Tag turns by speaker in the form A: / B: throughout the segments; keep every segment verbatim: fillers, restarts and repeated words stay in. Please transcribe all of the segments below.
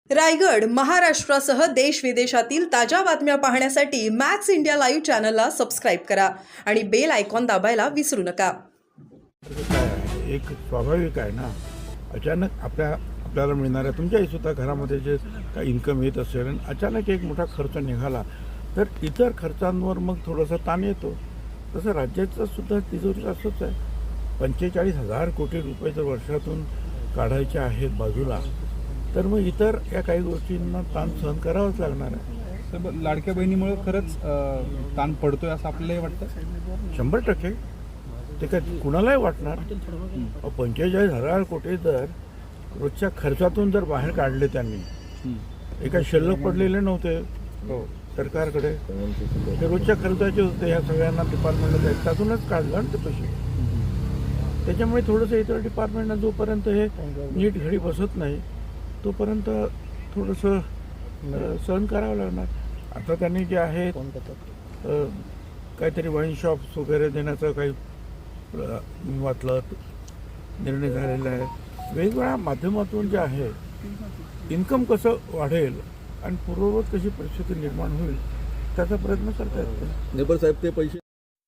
A: रायगड महाराष्ट्रासह देश विदेशातील ताज्या बातम्या पाहण्यासाठी मॅक्स इंडिया लाईव्ह चॅनलला सबस्क्राईब करा आणि बेल आयकॉन दाबायला विसरू नका.
B: काय आहे, एक स्वाभाविक आहे ना, अचानक आपल्या आपल्याला मिळणाऱ्या तुमच्याही सुद्धा घरामध्ये जे काही इन्कम येत असेल आणि अचानक एक मोठा खर्च निघाला तर इतर खर्चांवर मग थोडासा ताण येतो. तसं राज्याचं सुद्धा तिजोरी असंच आहे. पंचेचाळीस हजार कोटी रुपये जर वर्षातून काढायचे आहेत बाजूला, तर मग इतर या काही गोष्टींना ताण सहन करावाच लागणार आहे.
C: तर लाडक्या बहिणीमुळे खरंच अ, ताण पडतोय असं आपल्यालाही वाटतं.
B: शंभर टक्के ते काय कुणालाही वाटणार. पंचेचाळीस हजार कोटी जर रोजच्या खर्चातून जर बाहेर काढले त्यांनी, हे काही शिल्लक पडलेले नव्हते
C: हो
B: सरकारकडे, ते रोजच्या खर्चाचे होते. ह्या सगळ्यांना डिपार्टमेंटला त्यातूनच काढलं ना ते पैसे. त्याच्यामुळे थोडंसं इतर डिपार्टमेंटला जोपर्यंत हे नीट घडी बसत नाही तोपर्यंत थोडंसं सहन करावं लागणार. आता त्यांनी जे आहे अ, काहीतरी वाईन शॉप्स वगैरे देण्याचं काही अ, मी वाचलं निर्णय झालेला आहे. वेगवेगळ्या माध्यमातून जे आहे इन्कम कसं वाढेल आणि पूर्ववत कशी परिस्थिती निर्माण होईल त्याचा प्रयत्न करता येतो.
D: नेबर साहेब ते पैसे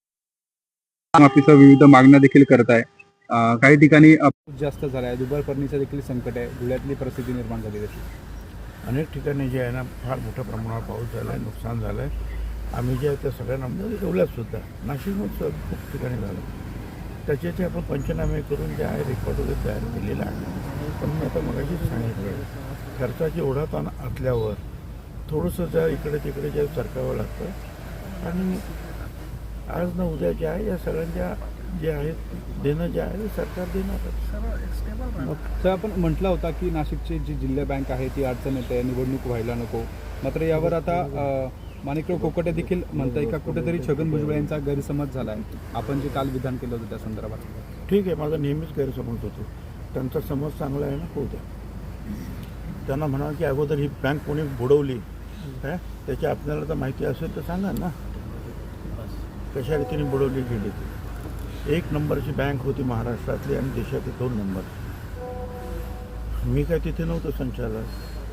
E: माफीसह विविध मागण्या देखील करत आहे. अं, काही ठिकाणी अ,
C: जास्त झाला आहे. दुबार फरणीचं देखील संकट आहे. धुळ्यातली परिस्थिती निर्माण झाली आहे.
B: अनेक ठिकाणी जे आहे ना फार मोठ्या प्रमाणावर पाऊस झाला आहे, नुकसान झालं आहे. आम्ही जे आहे त्या सगळ्यांना ठेवल्यातसुद्धा नाशिकमध्ये खूप ठिकाणी झालं. त्याचे ते आपण पंचनामे करून जे आहे रेकॉर्ड वगैरे तयार केलेला आहे. पण मी आता मगाशीच सांगितलं, खर्चाची एवढा ताण असल्यावर थोडंसं ज्या इकडे तिकडे जे सरकावं लागतं आणि आज ना उद्या जे आहे या सगळ्यांच्या जे आहेत देणं जे आहे ते सरकार देणारच.
C: तर आपण म्हटलं होता की नाशिकची जी जिल्हा बँक आहे ती अडचण येते, निवडणूक व्हायला नको. मात्र यावर आता अ, माणिकराव कोकाटे देखील म्हणताय का कुठेतरी छगन भुजबळ यांचा गैरसमज झाला आहे. आपण जे काल विधान केलं होतं त्या संदर्भात.
B: ठीक आहे, माझा नेहमीच गैरसमज होतो. त्यांचा समज चांगला आहे ना, होऊ द्या. त्यांना म्हणा की अगोदर ही बँक कोणी बुडवली काय त्याची आपल्याला तर माहिती असेल तर सांगा ना, कशा रीतीने बुडवली गेली ती. एक नंबरची बँक होती महाराष्ट्रातली आणि देशातली दोन नंबर. मी काय तिथे नव्हतं संचालक,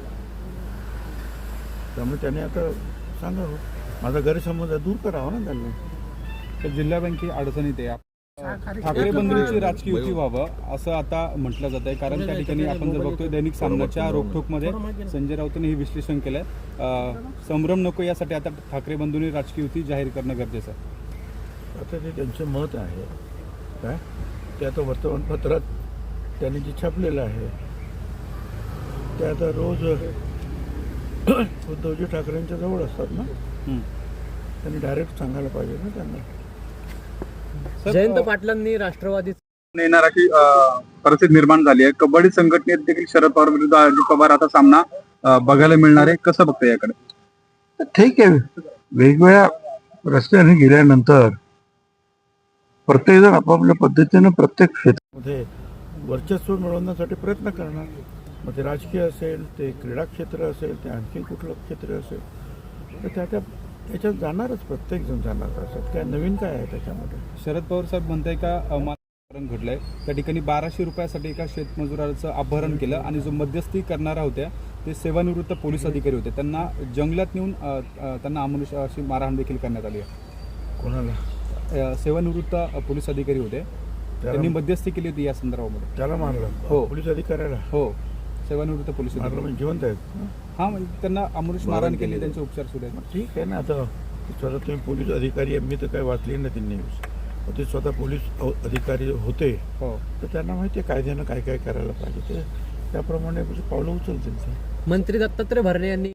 B: त्यामुळे त्याने आता सांगावं. माझा गैरसमज दूर करावा ना त्यांनी.
C: तर जिल्हा बँक अडचणीत आहे. ठाकरे बंधूंची राजकीय युती व्हावं असं आता म्हटलं जात आहे. कारण त्या ठिकाणी आपण जर बघतोय दैनिक सामनाच्या रोखठोकमध्ये संजय राऊतांनी हे विश्लेषण केलंय. संभ्रम नको यासाठी आता ठाकरे बंधूंनी राजकीय युती जाहीर करणं गरजेचं आहे.
B: आता ते त्यांचं मत आहे काय, ते आता वर्तमानपत्रात त्यांनी जे छापलेलं आहे ते आता रोज उद्धवजी ठाकरेंच्या जवळ असतात ना, त्यांनी डायरेक्ट सांगायला पाहिजे ना त्यांना.
F: जयंत पाटलांनी राष्ट्रवादी
E: येणार अशी अ, परिस्थिती निर्माण झाली आहे. कबड्डी संघटनेत देखील शरद पवार विरुद्ध अजित पवार आता सामना अ, बघायला मिळणार आहे. कसं बघतं याकडे?
B: ठीक आहे, वेगवेगळ्या रस्त्याने गेल्यानंतर प्रत्येकजण आपापल्या पद्धतीनं प्रत्येक क्षेत्रामध्ये वर्चस्व मिळवण्यासाठी प्रयत्न करणार. मग ते राजकीय असेल, ते क्रीडा क्षेत्र असेल, ते आणखी कुठलं क्षेत्र असेल, तर त्या त्या त्याच्यात जाणारच, प्रत्येकजण जाणार. असं काय नवीन काय आहे त्याच्यामध्ये?
C: शरद पवार साहेब म्हणताय का अपहरण घडलंय त्या ठिकाणी बाराशे रुपयासाठी एका शेतमजुराचं अपहरण केलं आणि जो मध्यस्थी करणारा होत्या ते सेवानिवृत्त पोलीस अधिकारी होते. त्यांना जंगलात नेऊन अ, अ, त्यांना अमानुष अशी मारहाण देखील करण्यात आली आहे.
B: कोणाला?
C: अ, सेवानिवृत्त पोलीस अधिकारी होते, त्यांनी मध्यस्थी केली होती या संदर्भामध्ये.
B: त्याला मारलं?
C: हो.
B: पोलीस अधिकाऱ्याला?
C: हो, सेवानिवृत्त पोलीस
B: मारलं
C: अधिकारी.
B: म्हणजे जिवंत आहेत?
C: हा, म्हणजे त्यांना अमानुष मारहाण केली, त्यांचे उपचार सुरू आहेत.
B: मग ठीक आहे ना. आता स्वतः तुम्ही पोलीस अधिकारी आहे, मी तर काही वाचली ना ती न्यूज. ते स्वतः पोलीस अधिकारी होते,
C: हो,
B: तर त्यांना माहिती आहे कायद्यानं काय काय करायला पाहिजे, ते त्याप्रमाणे पावलं उचलतील. ते
F: मंत्री दत्तात्रय भरणे यांनी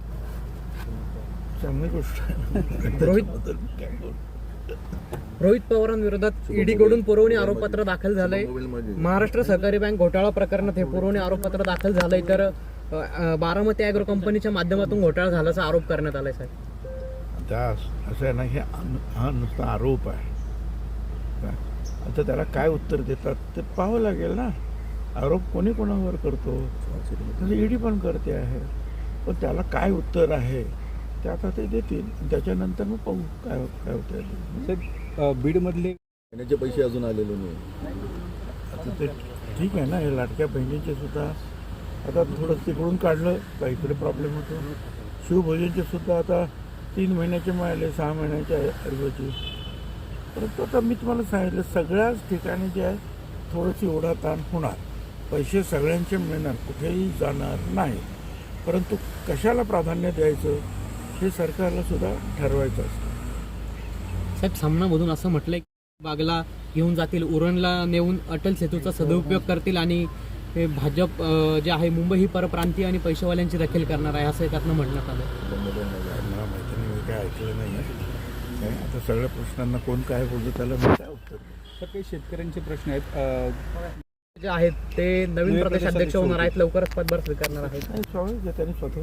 B: चांगली गोष्ट आहे.
F: रोहित रोहित पवारांविरोधात ईडीकडून पुरवणी आरोपपत्र दाखल झालंय. महाराष्ट्र सहकारी बँक घोटाळा प्रकरणात हे पुरवणी आरोपपत्र दाखल झालंय. तर अ, अ, बारामती अॅग्रो कंपनीच्या माध्यमातून घोटाळा झाल्याचा आरोप करण्यात आलाय साहेब.
B: त्या असं आहे ना, हे हा नुसता आरोप आहे. काय आता त्याला काय उत्तर देतात ते पाहावं लागेल ना. आरोप कोणी कोणावर करतो, ईडी पण करते आहे, पण त्याला काय उत्तर आहे ते आता ते देतील. त्याच्यानंतर मग पाहू काय काय होतं.
C: अ, बीडमधले
D: येण्याचे पैसे अजून आलेले नाही.
B: आता ते ठीक आहे ना, हे लाडक्या बहिणीचे सुद्धा आता थोडं तिकडून काढलं का इकडे प्रॉब्लेम होतो. शिवभोजनचे सुद्धा आता तीन महिन्याचे मिळाले, सहा महिन्याच्या ऐवजी. परंतु आता मी तुम्हाला सांगितलं सगळ्याच ठिकाणी जे आहे थोडंशी ओढाताण होणार. पैसे सगळ्यांचे मिळणार, कुठेही जाणार नाही. परंतु कशाला प्राधान्य द्यायचं हे सरकारला सुद्धा ठरवायचं असतं.
F: साहेब, सामनामधून असं म्हटलंय की बागला घेऊन जातील, उरणला नेऊन अटल सेतूचा सदुपयोग करतील आणि हे भाजप अं, जे आहे मुंबई ही परप्रांतीय आणि पैशावाल्यांची दखल करणार आहे असं त्यातनं म्हणण्यात आलं.
B: मला माहिती नाही, मी काय ऐकलं नाही आहे. काय आता सगळ्या प्रश्नांना कोण काय बोलतो त्याला मी काय उत्तर देऊ?
C: तर काही शेतकऱ्यांचे प्रश्न आहेत. अं,
F: जे आहेत ते नवीन प्रदेश अध्यक्ष होणार आहेत, लवकरच पदभार स्वीकारणार आहेत.
B: नाही, स्वाभाविक आहे, त्यांनी स्वतः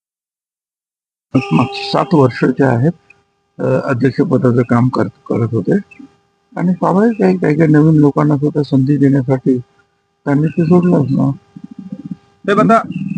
G: मागची सात वर्ष जे आहेत अ, अध्यक्षपदाचं काम करत करत होते आणि स्वाभाविक आहे काही काही नवीन लोकांना सुद्धा संधी देण्यासाठी त्यांनी ते सोडलंच ना.
E: साहेब आता